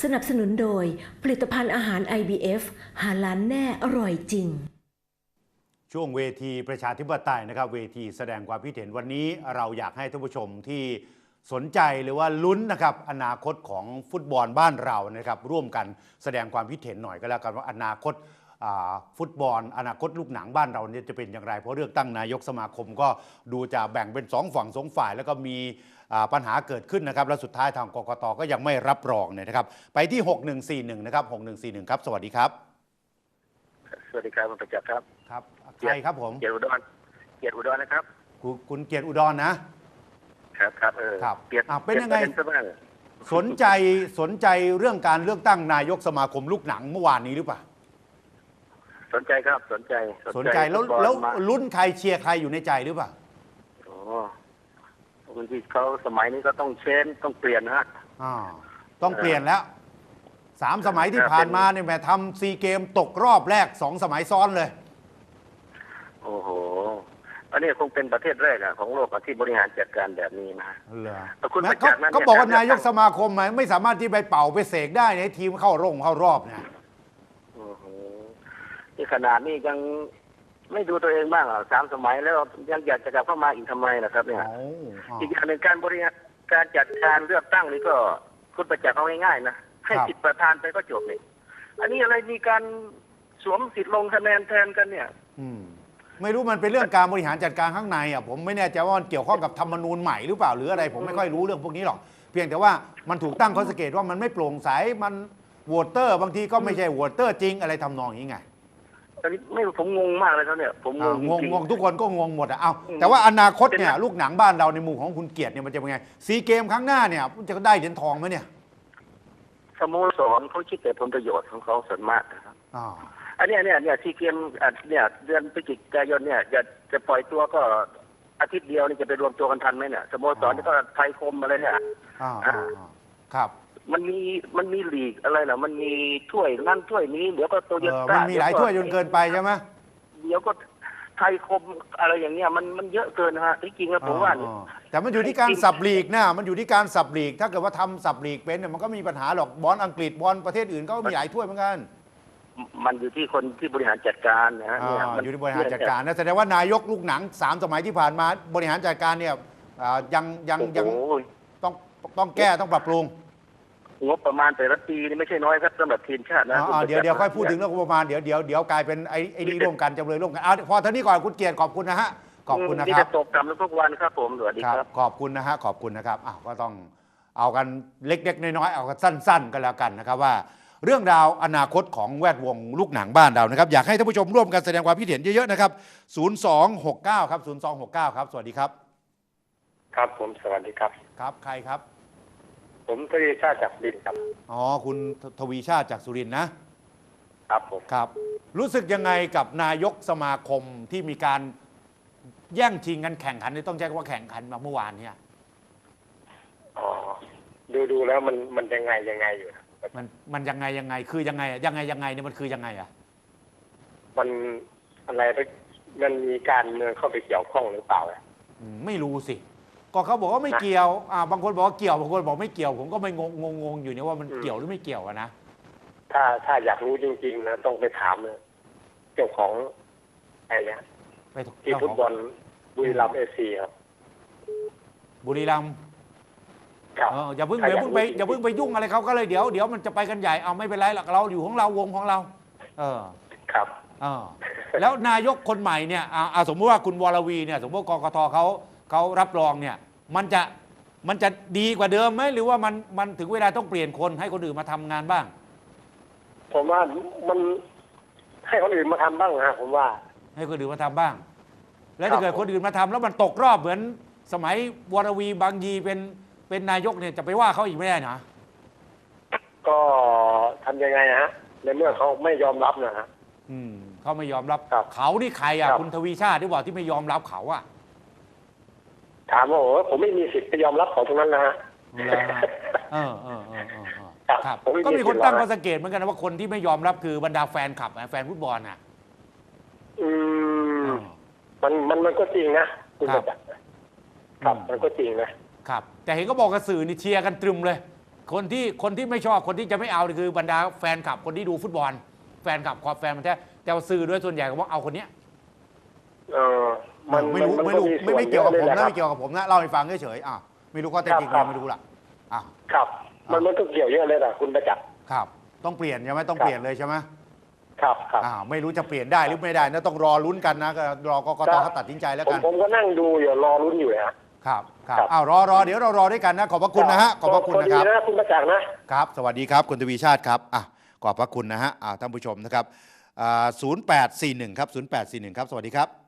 นับสนุนโดยผลิตภัณฑ์อาหาร IBF หาล้านแน่อร่อยจริงช่วงเวทีประชาธิปไตยนะครับเวทีแสดงความคิดเห็นวันนี้เราอยากให้ท่านผู้ชมที่สนใจหรือว่าลุ้นนะครับอนาคตของฟุตบอลบ้านเรานะครับร่วมกันแสดงความคิดเห็นหน่อยก็แล้วกันว่าอนาคตฟุตบอลอนาคตลูกหนังบ้านเราเนี่ยจะเป็นอย่างไรเพราะเลือกตั้งนายกสมาคมก็ดูจะแบ่งเป็น2ฝั่ง2ฝ่ายแล้วก็มีปัญหาเกิดขึ้นนะครับและสุดท้ายทางกกต.ก็ยังไม่รับรองเนี่ยนะครับไปที่6141นะครับ6141ครับสวัสดีครับสวัสดีครับคุณประจักษ์ครับครับใครครับผมเกียรติอุดรนะครับคุณเกียรติอุดรนะครับครับเกียรติเป็นยังไงสนใจเรื่องการเลือกตั้งนายกสมาคมลูกหนังเมื่อวานนี้หรือเปล่าสนใจครับสนใจแล้วลุ้นใครเชียร์ใครอยู่ในใจหรือเปล่าอ๋อบางทีเขาสมัยนี้ก็ต้องต้องเปลี่ยนนะฮะต้องเปลี่ยนแล้ว3 สมัยที่ผ่านมาเนี่ยแม่ทำซีเกมตกรอบแรก2 สมัยซ้อนเลยโอ้โหอันนี้คงเป็นประเทศแรกของโลกที่บริหารจัดการแบบนี้นะเขาบอกว่านายกสมาคมไม่สามารถที่ไปเป่าไปเสกได้ในทีมเข้ารอบเนี่ยที่ขนาดนี้ยังไม่ดูตัวเองบ้าง3 สมัยแล้วยังอยากจะกลับเข้ามาอีกทำไมนะครับเนี่ยอีกอย่างหนึ่งการบริหารการจัดการเลือกตั้งนี่ก็คุณประจักษ์เอาง่ายๆนะให้สิทธิประธานไปก็จบนี่อันนี้อะไรมีการสวมสิทธิ์ลงคะแนนแทนกันเนี่ยไม่รู้มันเป็นเรื่องการบริหารจัดการข้างในผมไม่แน่ใจว่ามันเกี่ยวข้องกับธรรมนูญใหม่หรือเปล่าหรืออะไรผมไม่ค่อยรู้เรื่องพวกนี้หรอกเพียงแต่ว่ามันถูกตั้งข้อสังเกตว่ามันไม่โปร่งใสมันโหวตเตอร์บางทีก็ไม่ใช่โหวตเตอร์จริงอะไรทำนองนี้ไงตอนนี้ไม่ผมงงมากเลยครับเนี่ยผมงงทุกคนก็งงหมดเอาแต่ว่าอนาคตเนี่ยลูกหนังบ้านเราในมุมของคุณเกียรติเนี่ยมันจะเป็นไงซีเกมครั้งหน้าเนี่ยจะได้เหรียญทองไหมเนี่ยสโมสรเขาคิดแต่ผลประโยชน์ของเขาส่วนมากนะครับอันนี้ซีเกมเนี่ยเดือนพฤศจิกายนเนี่ยจะปล่อยตัวก็อาทิตย์เดียวนี่จะไปรวมตัวกันทันไหมเนี่ยสโมสรนี่ก็ไทยคมอะไรเนี่ยครับมันมีลีกอะไรเหรอมันมีถ้วยนั่นถ้วยนี้เดี๋ยวก็โตโยต้ามันมีหลายถ้วยจนเกินไปใช่ไหมเดี๋ยวก็ไทยคมอะไรอย่างเงี้ยมันเยอะเกินนะฮะที่จริงแล้วผมว่าแต่มันอยู่ที่การสับลีกนะมันอยู่ที่การสับลีกถ้าเกิดว่าทำสับลีกเป็นเนี่ยมันก็มีปัญหาหรอกบอลอังกฤษบอลประเทศอื่นก็มีหลายถ้วยเหมือนกันมันอยู่ที่คนที่บริหารจัดการนะฮะอยู่ที่บริหารจัดการนะแสดงว่านายกลูกหนัง3 สมัยที่ผ่านมาบริหารจัดการเนี่ยยังต้องแก้ต้องปรับปรุงงบประมาณแต่ละปีนี่ไม่ใช่น้อยครับสำหรับทีมชาตินะเดี๋ยวค่อยพูดถึงเรื่องงบประมาณเดี๋ยวกลายเป็นไอ้นี่ร่วมกันจำเลยร่วมกันพอเท่านี้ก่อนคุณเกียรติขอบคุณนะฮะขอบคุณนะครับที่จะตกต่ำทุกวันครับผมสวัสดีครับขอบคุณนะฮะขอบคุณนะครับก็ต้องเอากันเล็กๆน้อยๆเอากันสั้นๆกันแล้วกันนะครับว่าเรื่องราวอนาคตของแวดวงลูกหนังบ้านเรานะครับอยากให้ท่านผู้ชมร่วมกันแสดงความคิดเห็นเยอะๆนะครับ0269ครับ0269ครับสวัสดีครับครับผมสวัสดีครับครับใครครับผมทวีชาติจากสุรินทร์ครับคุณทวีชาติจากสุรินทร์นะครับผมครับรู้สึกยังไงกับนายกสมาคมที่มีการแย่งชิงกันแข่งขันต้องใช้คำว่าแข่งขันมาเมื่อวานเนี่ยดูแล้วมันยังไงอยู่มันยังไงคือยังไงเนี่ยมันคือยังไงมันอะไรมันมีการเมืองเข้าไปเกี่ยวข้องหรือเปล่าไม่รู้สิก็เขาบอกว่าไม่เกี่ยวบางคนบอกว่าเกี่ยวบางคนบอกไม่เกี่ยวผมก็ไม่งงอยู่เนี่ยว่ามันเกี่ยวหรือไม่เกี่ยวนะถ้าอยากรู้จริงๆนะต้องไปถามเจ้าของอะไรเนี่ยที่ฟุตบอลบุรีรัมย์FCครับบุรีรัมย์อย่าเพิ่งไปยุ่งอะไรเขาก็เลยเดี๋ยวมันจะไปกันใหญ่เอาไม่เป็นไรหรอกเราอยู่ของเราวงของเราครับแล้วนายกคนใหม่เนี่ยสมมติว่าคุณวรวีเนี่ยสมมติกกต.เขารับรองเนี่ยมันจะดีกว่าเดิมไหมหรือว่ามันถึงเวลาต้องเปลี่ยนคนให้คนอื่นมาทำงานบ้างผมว่ามันให้คนอื่นมาทำบ้างนะผมว่าให้คนอื่นมาทำบ้างแล้วถ้าเกิดคนอื่นมาทำแล้วมันตกรอบเหมือนสมัยวรวีบางยีเป็นนายกเนี่ยจะไปว่าเขาอีกไม่ได้นะก็ทำยังไงฮะในเมื่อเขาไม่ยอมรับนะฮะเขาไม่ยอมรับเขานี่ใครคุณทวีชาติที่บอกที่ไม่ยอมรับเขาถามว่าผมไม่มีสิทธิ์ไปยอมรับเขาตรงนั้นนะฮะครับก็มีคนตั้งข้อสังเกตเหมือนกันว่าคนที่ไม่ยอมรับคือบรรดาแฟนคลับแฟนฟุตบอลมันก็จริงนะคุณประจักษ์ครับมันก็จริงนะครับแต่เห็นก็บอกกระสือนี่เชียร์กันตรึมเลยคนที่ไม่ชอบคนที่จะไม่เอาคือบรรดาแฟนคลับคนที่ดูฟุตบอลแฟนคลับความแฟนมันแท้แต่ว่าสื่อด้วยส่วนใหญ่ก็ว่าเอาคนเนี้ยไม่รู้ไม่เกี่ยวกับผมนะไม่เกี่ยวกับผมนะเล่าให้ฟังเฉยๆไม่รู้ข้อเท็จจริงไม่รู้ล่ะครับมันก็เกี่ยวเยอะเลยนะคุณประจักษ์ครับต้องเปลี่ยนใช่ไหมต้องเปลี่ยนเลยใช่ไหมครับไม่รู้จะเปลี่ยนได้หรือไม่ได้นะต้องรอลุ้นกันนะก็รอกกตเขาตัดสินใจแล้วกันผมก็นั่งดูอยู่รอลุ้นอยู่ครับรอเดี๋ยวเรารอด้วยกันนะขอบพระคุณนะฮะขอบพระคุณนะครับคุณประจักษ์นะครับสวัสดีครับคุณทวีชาติครับขอบพระคุณนะฮะท่านผู้ชมนะครับ0841ครับ0841ครับสวัสดีครับ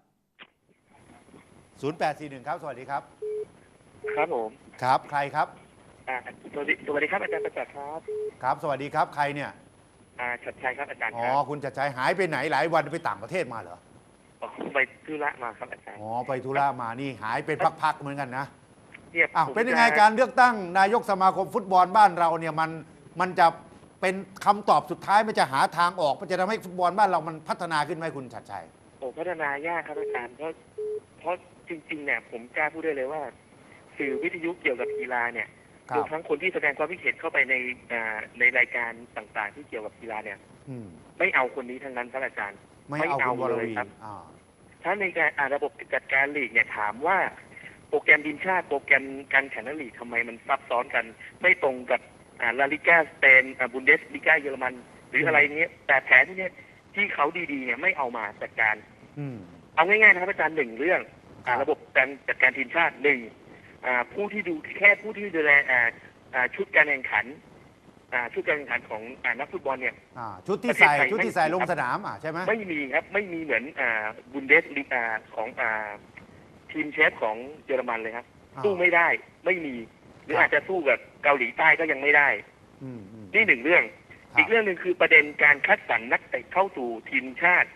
0841ครับสวัสดีครับครับผมครับใครครับสวัสดีครับอาจารย์ประจักษ์ครับครับสวัสดีครับใครเนี่ยชัดชัยครับอาจารย์คุณชัดชัยหายไปไหนหลายวันไปต่างประเทศมาเหรอไปธุระมาครับอาจารย์ไปธุระมานี่หายเป็นพักๆเหมือนกันนะเป็นยังไงการเลือกตั้งนายกสมาคมฟุตบอลบ้านเราเนี่ยมันจะเป็นคำตอบสุดท้ายมันจะหาทางออกมันจะทำให้ฟุตบอลบ้านเรามันพัฒนาขึ้นไหมคุณชัดชัยพัฒนายากครับอาจารย์เพราะจริงๆเนี่ยผมกล้าพูดได้เลยว่าสื่อวิทยุเกี่ยวกับกีฬาเนี่ยรวมทั้งคนที่แสดงความคิดเห็นเข้าไปในรายการต่างๆที่เกี่ยวกับกีฬาเนี่ยไม่เอาคนนี้ทั้งนั้นครับอาจารย์ไม่เอาเลยครับถ้าในการระบบจัดการลีกเนี่ยถามว่าโปรแกรมทีมชาติโปรแกรมการแข่งขันลีกทำไมมันซับซ้อนกันไม่ตรงกับลาลิก้าสเปนบุนเดสลิก้าเยอรมันหรืออะไรเนี้ยแต่แผนที่นี้ที่เขาดีๆเนี่ยไม่เอามาจัดการเอาง่ายๆนะครับอาจารย์หนึ่งเรื่องระบบการจัดการทีมชาติหนึ่งผู้ที่ดูแลชุดการแข่งขันของนักฟุตบอลเนี่ยชุดที่ใส่ลงสนามใช่ไหมไม่มีครับไม่มีเหมือนบุนเดสลิก้าของทีมเชฟของเยอรมันเลยครับสู้ไม่ได้ไม่มีหรืออาจจะสู้กับเกาหลีใต้ก็ยังไม่ได้นี่หนึ่งเรื่องอีกเรื่องหนึ่งคือประเด็นการคัดสรรนักเตะเข้าสู่ทีมชาติ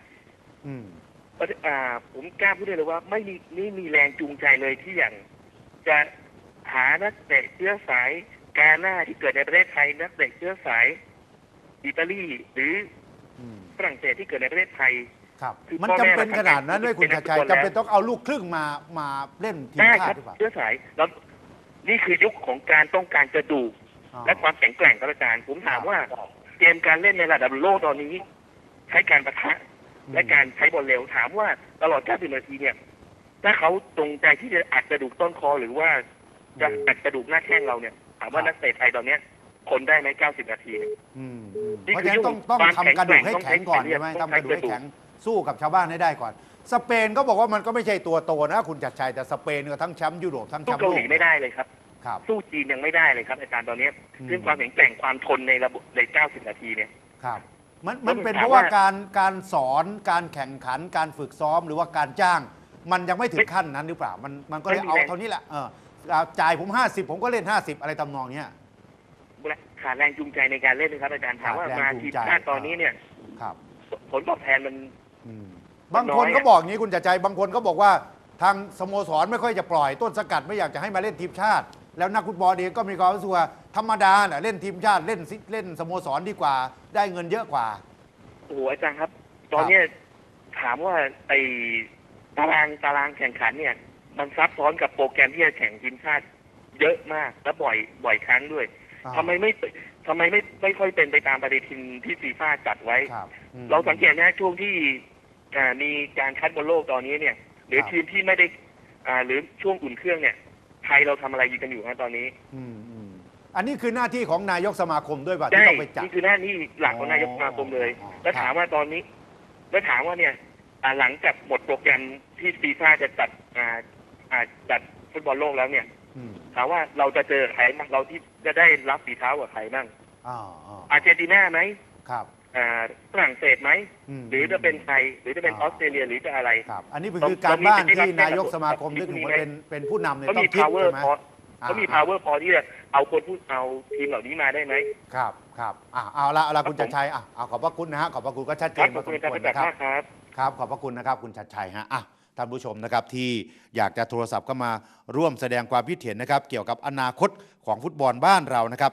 ผมกล้าพูดได้เลยว่าไม่มีแรงจูงใจเลยที่อย่างจะหานักเตะเชื้อสายกาหน้าที่เกิดในประเทศไทยนักเตะเชื้อสายอิตาลีหรือฝรั่งเศสที่เกิดในประเทศไทยมันจำเป็นขนาดนั้นด้วยคุณชัดชัยจำเป็นต้องเอาลูกครึ่งมาเล่นทีมชาติหรือเปล่าเชื้อสายแล้วนี่คือยุคของการต้องการกระดูกและความแข็งแกร่งครับอาจารย์ผมถามว่าเกมการเล่นในระดับโลกตอนนี้ใช้การปะทะและการใช้บอลเร็วถามว่าตลอด90 นาทีเนี่ยถ้าเขาตรงใจที่จะอัดกระดูกต้นคอหรือว่าจะอัดกระดูกหน้าแข้งเราเนี่ยถามว่านักเตะไทยตอนนี้คนได้ไหม90 นาทีเพราะฉะนั้นต้องทำกระดูกให้แข็งก่อนใช่ไหมทำกระดูกให้แข็งสู้กับชาวบ้านให้ได้ก่อนสเปนก็บอกว่ามันก็ไม่ใช่ตัวโตนะคุณจัดชัยแต่สเปนก็ทั้งแชมป์ยุโรปทั้งแชมป์โลกสู้เกาหลีไม่ได้เลยครับสู้จีนยังไม่ได้เลยครับอาจารย์ตอนนี้เรื่องความแข็งแกร่งความทนในระบบใน90 นาทีเนี่ยครับมันเป็นเพราะว่าการสอนการแข่งขันการฝึกซ้อมหรือว่าการจ้างมันยังไม่ถึงขั้นนั้นหรือเปล่ามันก็เลยเอาเท่านี้แหละจ่ายผม50ผมก็เล่น50อะไรตำนองเนี้ยขาดแรงจูงใจในการเล่นนะครับอาจารย์ถามว่ามาทีมชาติตอนนี้เนี่ยผลตอบแทนมันบางคนก็บอกอย่างนี้คุณจัดใจบางคนก็บอกว่าทางสโมสรไม่ค่อยจะปล่อยต้นสกัดไม่อยากจะให้มาเล่นทีมชาติแล้วนักฟุตบอลเองก็มีความรู้สึกว่าธรรมดาแหละเล่นทีมชาติเล่นสโมสรดีกว่าได้เงินเยอะกว่าโอ้โหอาจารย์ครับตอนนี้ถามว่าไอ้ตารางแข่งขันเนี่ยมันซับซ้อนกับโปรแกรมที่จะแข่งทีมชาติเยอะมากและบ่อยครั้งด้วยทำไมไม่ค่อยเป็นไปตามปฏิทินที่ฟีฟ่าจัดไว้เราสังเกตนะช่วงที่มีการคัดบอลโลกตอนนี้เนี่ยหรือทีมที่ไม่ได้หรือช่วงอุ่นเครื่องเนี่ยไทยเราทำอะไรอยู่กันอยู่ตอนนี้อันนี้คือหน้าที่ของนายกสมาคมด้วยป่ะที่ต้องไปจัดนี่คือหน้าที่หลักของนายกสมาคมเลยแล้วถามว่าตอนนี้แล้วถามว่าเนี่ยหลังจากหมดโปรแกรมที่ฟีฟ่าจะจัดฟุตบอลโลกแล้วเนี่ยถามว่าเราจะเจอใครบ้างเราที่จะได้รับฝีเท้ากับใครบ้างอาร์เจนตินาไหมครับฝรั่งเศสไหมหรือจะเป็นไทยหรือจะเป็นออสเตรเลียหรือจะอะไรอันนี้คือการบ้านที่นายกสมาคมที่เป็นผู้นำเนี่ยต้องคิดใช่ไหมเขามี power พอที่จะเอาทีมเหล่านี้มาได้ไหมครับเอาละคุณชัดชัยขอบพระคุณนะฮะขอบพระคุณก็ชัดเจนพอสมควรนะครับครับขอบพระคุณนะครับคุณชัดชัยฮะท่านผู้ชมนะครับที่อยากจะโทรศัพท์เข้ามาร่วมแสดงความคิดเห็นนะครับเกี่ยวกับอนาคตของฟุตบอลบ้านเรานะครับ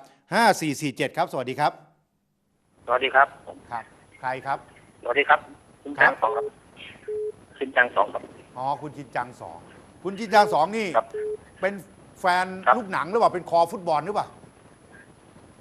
5447ครับสวัสดีครับสวัสดีครับใครครับสวัสดีครับคุณจังสองครับชินจังสองครับคุณชินจังสองคุณชินจังสองนี่เป็นแฟนลูกหนังหรือเปล่าเป็นคอฟุตบอลหรือเปล่า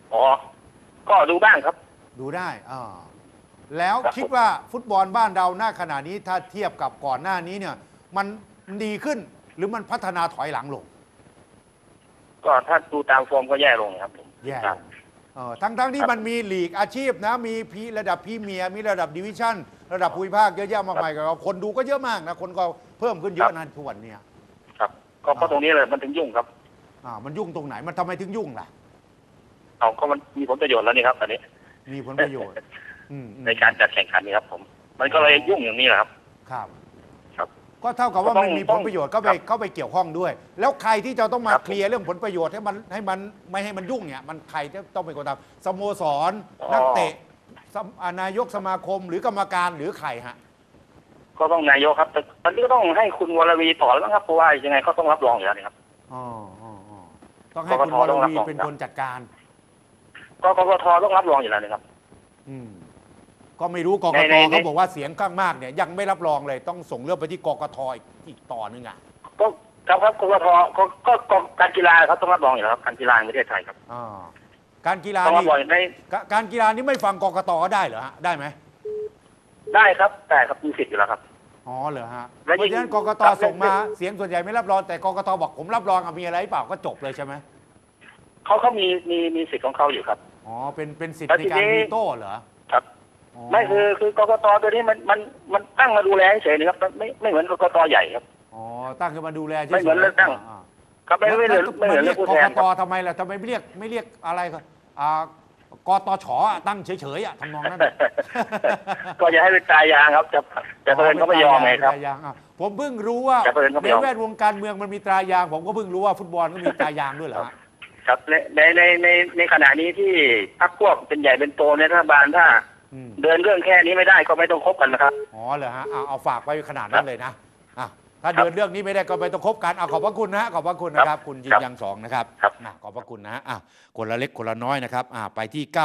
อ๋อก็ดูบ้างครับดูได้แล้วคิดว่าฟุตบอลบ้านเราหน้าขณะนี้ถ้าเทียบกับก่อนหน้านี้เนี่ยมันดีขึ้นหรือมันพัฒนาถอยหลังลงก็ถ้าดูตามฟอร์มก็แย่ลงครับผมแย่ลงทั้งที่มันมีลีกอาชีพนะมีระดับพรีเมียร์มีระดับดิวิชั่นระดับภูมิภาคเยอะแยะมากมายกับคนดูก็เยอะมากนะคนก็เพิ่มขึ้นเยอะนะทุกวันเนี่ยครับก็ตรงนี้เลยมันถึงยุ่งครับมันยุ่งตรงไหนมันทำไมถึงยุ่งล่ะเอาก็มันมีผลประโยชน์แล้วนี่ครับตอนนี้มีผลประโยชน์ในการจัดแข่งขันนี่ครับผมมันก็เลยยุ่งอย่างนี้แหละครับครับครับก็เท่ากับว่ามันมีผลประโยชน์ก็ไปเกี่ยวข้องด้วย แล้วใครที่จะต้องมาเคลียร์เรื่องผลประโยชน์ให้มันไม่ให้มันยุ่งเนี่ยมันใครจะต้องเป็นคนทำสโมสรนักเตะนายกสมาคมหรือกรรมการหรือใครฮะก็ต้องนายกครับแต่ตอนนี้ก็ต้องให้คุณวรวีต่อแล้วครับเพราะว่ายังไงเขาต้องรับรองอยู่แล้วนี่ครับต้องให้คุณวรวีเป็นคนจัดการก็กกตต้องรับรองอยู่แล้วนี่ครับก็ไม่รู้กกตเขาบอกว่าเสียงข้างมากเนี่ยยังไม่รับรองเลยต้องส่งเรื่องไปที่กกตอีกต่อนึงอ่ะก็ครับกกตก็การกีฬาเขาต้องรับรองอยู่แล้วครับการกีฬาในประเทศไทยครับการกีฬานี่การกีฬานี่ไม่ฟังกกตก็ได้เหรอฮะได้ไหมได้ครับแต่ครับมีสิทธิ์อยู่แล้วครับเหรอฮะเพราะฉะนั้นกกตส่งมาเสียงส่วนใหญ่ไม่รับรองแต่กกตบอกผมรับรองมีอะไรเปล่าก็จบเลยใช่ไหมเขามีสิทธิ์ของเขาอยู่ครับเป็นสิทธิ์ในการวีโต้เหรอครับไม่คือกกตตัวนี้มันตั้งมาดูแลเฉยๆนะครับไม่เหมือนกกตใหญ่ครับตั้งขึ้นมาดูแลเฉยๆไม่เหมือนเลือกตั้งครับไม่เหมือนเลือกผู้แทนกกตทำไมล่ะทำไมไม่เรียกอะไรกตชตั้งเฉยๆทำนองนั้นก็จะให้เป็นตายางครับแต่เพิ่นก็ไม่ยอมไงครับผมเพิ่งรู้ว่าในแวดวงการเมืองมันมีตรายางผมก็เพิ่งรู้ว่าฟุตบอลก็มีตรายางด้วยเหรอครับในขณะนี้ที่พรรคพวกเป็นใหญ่เป็นโตในรัฐบาลถ้าเดินเรื่องแค่นี้ไม่ได้ก็ไม่ต้องคบกันนะครับเหรอฮะเอาฝากไปขนาดนั้นเลยนะถ้าเดินเรื่องนี้ไม่ได้ก็ไม่ต้องคบกันขอบพระคุณนะขอบพระคุณนะครับคุณยินยัง2นะครับขอบพระคุณนะคนละเล็กคนละน้อยนะครับไปที่99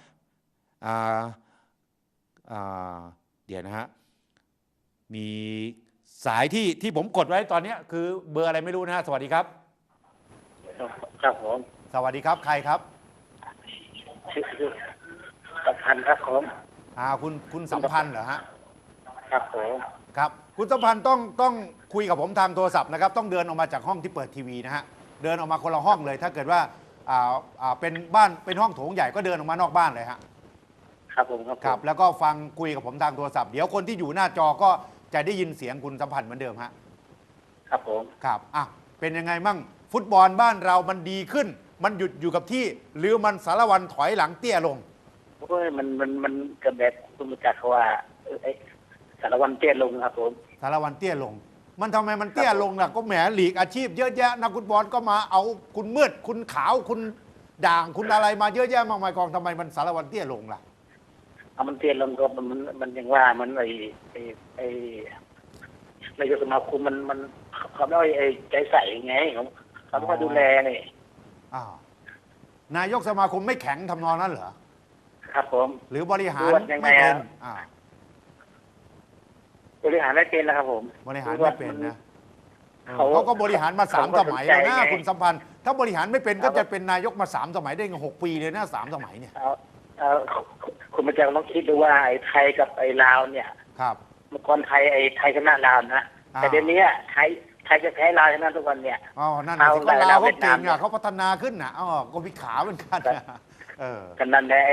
เดี๋ยวนะฮะมีสายที่ผมกดไว้ตอนนี้คือเบอร์อะไรไม่รู้นะฮะสวัสดีครับครับผมสวัสดีครับใครครับสัมพันธ์ครับผมคุณสัมพันธ์เหรอฮะครับผมครับคุณสัมพันธ์ต้องคุยกับผมทางโทรศัพท์นะครับต้องเดินออกมาจากห้องที่เปิดทีวีนะฮะเดินออกมาคนละห้องเลยถ้าเกิดว่าเป็นบ้านเป็นห้องโถงใหญ่ก็เดินออกมานอกบ้านเลยฮะครับผมครับแล้วก็ฟังคุยกับผมทางโทรศัพท์เดี๋ยวคนที่อยู่หน้าจอก็จะได้ยินเสียงคุณสัมพันธ์เหมือนเดิมฮะครับผมครับเป็นยังไงมั่งฟุตบอลบ้านเรามันดีขึ้นมันหยุดอยู่กับที่หรือมันสารวันถอยหลังเตี้ยลงมันกระแบบคุณรู้จักเขาว่าสารวันเตี้ยลงครับผมสารวันเตี้ยลงมันทำไมมันเตี้ยลงล่ะก็แหมลีกอาชีพเยอะแยะนักฟุตบอลก็มาเอาคุณมืดคุณขาวคุณด่างคุณอะไรมาเยอะแยะมากมายกองทำไมมันสารวันเตี้ยลงล่ะมันเตี้ยลงก็มันยังว่ามันนายกสมาคมมันเขาไม่ใจใส่ไงเขาต้องมาดูแลนี่นายกสมาคมไม่แข็งทำนองนั้นเหรอครับผมหรือบริหารไม่เป็นบริหารไม่เป็นแล้วครับผมบริหารไม่เป็นนะเขาก็บริหารมา3 สมัยแล้วนะคุณสัมพันธ์ถ้าบริหารไม่เป็นก็จะเป็นนายกมา3 สมัยได้6 ปีเลยนะ3 สมัยเนี่ยคุณมาจากต้องคิดดูว่าไอ้ไทยกับไอ้ลาวเนี่ยครับเมื่อก่อนไทยชนะลาวนะแต่เดี๋ยวนี้ไทยจะแพ้ลาวชนะทุกวันเนี่ยนั่นสิก็ลาวเขาเก่งเขาพัฒนาขึ้นนะก็มีขาเหมือนกันกันนั่นแหละ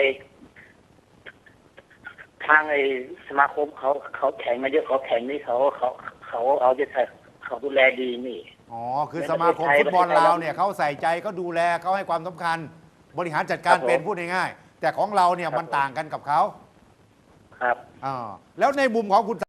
ทางสมาคมเขาแข่งมาเยอะเขาแข่งนี่เขาเอาใจใส่เขาดูแลดีนี่คือสมาคมฟุตบอลลาวเนี่ยเขาใส่ใจเขาดูแลเขาให้ความสำคัญบริหารจัดการเป็นพูดง่ายๆแต่ของเราเนี่ยมันต่างกันกับเขาครับแล้วในมุมของคุณ